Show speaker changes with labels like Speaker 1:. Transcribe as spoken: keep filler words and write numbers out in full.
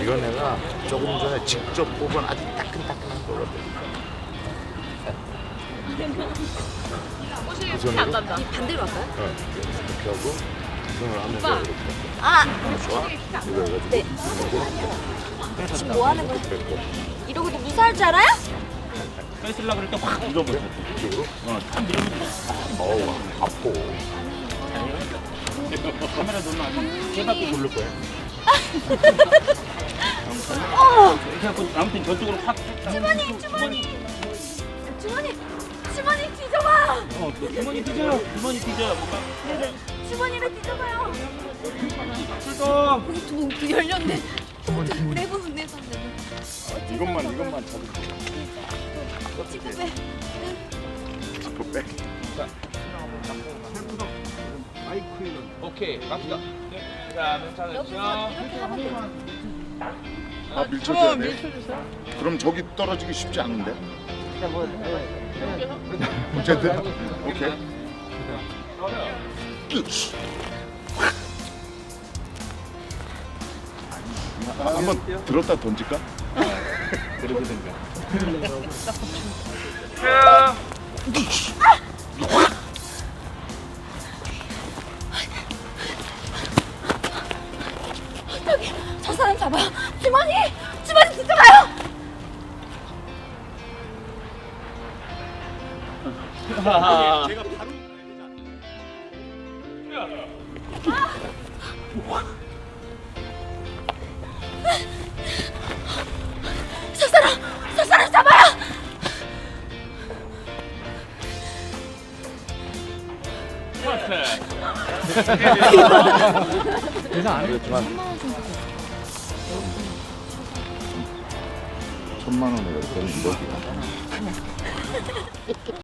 Speaker 1: 이건 내가 조금 전에 직접 뽑은 아주 따끈따끈한 거거든. 그 손으로?
Speaker 2: 안 간다.
Speaker 3: 이 반대로 할까요?
Speaker 1: 어, 이렇게 하고 이 손을 하면서
Speaker 2: 오빠.
Speaker 1: 이렇게.
Speaker 3: 아,
Speaker 1: 좋아? 이거 해가지고
Speaker 3: 네.
Speaker 1: 이거
Speaker 3: 지금 뭐 하는 거야?
Speaker 1: 뺏고
Speaker 3: 이러고도 무사할 줄 알아요?
Speaker 4: 뺏으려고 그럴 때 확 밀어버려.
Speaker 1: 이쪽으로.
Speaker 4: 어, 탁 밀어버려.
Speaker 1: 어우, 아파.
Speaker 4: 카메라 놓으면 아주 세 바퀴 돌릴 거야. 이렇게 하고 아무튼 저쪽으로 확.
Speaker 3: 주머니, 주머니. 주머니, 주머니 뒤져봐.
Speaker 4: 어, 주머니 뒤져요. 주머니 뒤져요. 뭔가.
Speaker 3: 주머니를 뒤져봐요.
Speaker 4: 출동.
Speaker 3: 봉투, 봉투 열렸네. 봉투 내부는 내손 내부.
Speaker 1: 이것만 이것만 잡으면
Speaker 3: 지금 왜?
Speaker 1: 지퍼 백.
Speaker 4: 오케이, 갑시다. 자,
Speaker 3: 여기서
Speaker 4: 괜찮으시죠?
Speaker 3: 이렇게 하면 돼.
Speaker 1: 아 밀쳐줘야 돼. 그럼 저기 떨어지기 쉽지 않은데. 어쨌든 오케이. 끼. 아, 한번 들었다 던질까?
Speaker 4: 그러게 된가.
Speaker 3: 여기 저 사람 잡아요. 주머니, 주머니 뒤져봐요.
Speaker 4: 제가 바로.
Speaker 3: 저 사람, 저 사람 잡아요.
Speaker 1: 그렇지만 천만 원을 이렇게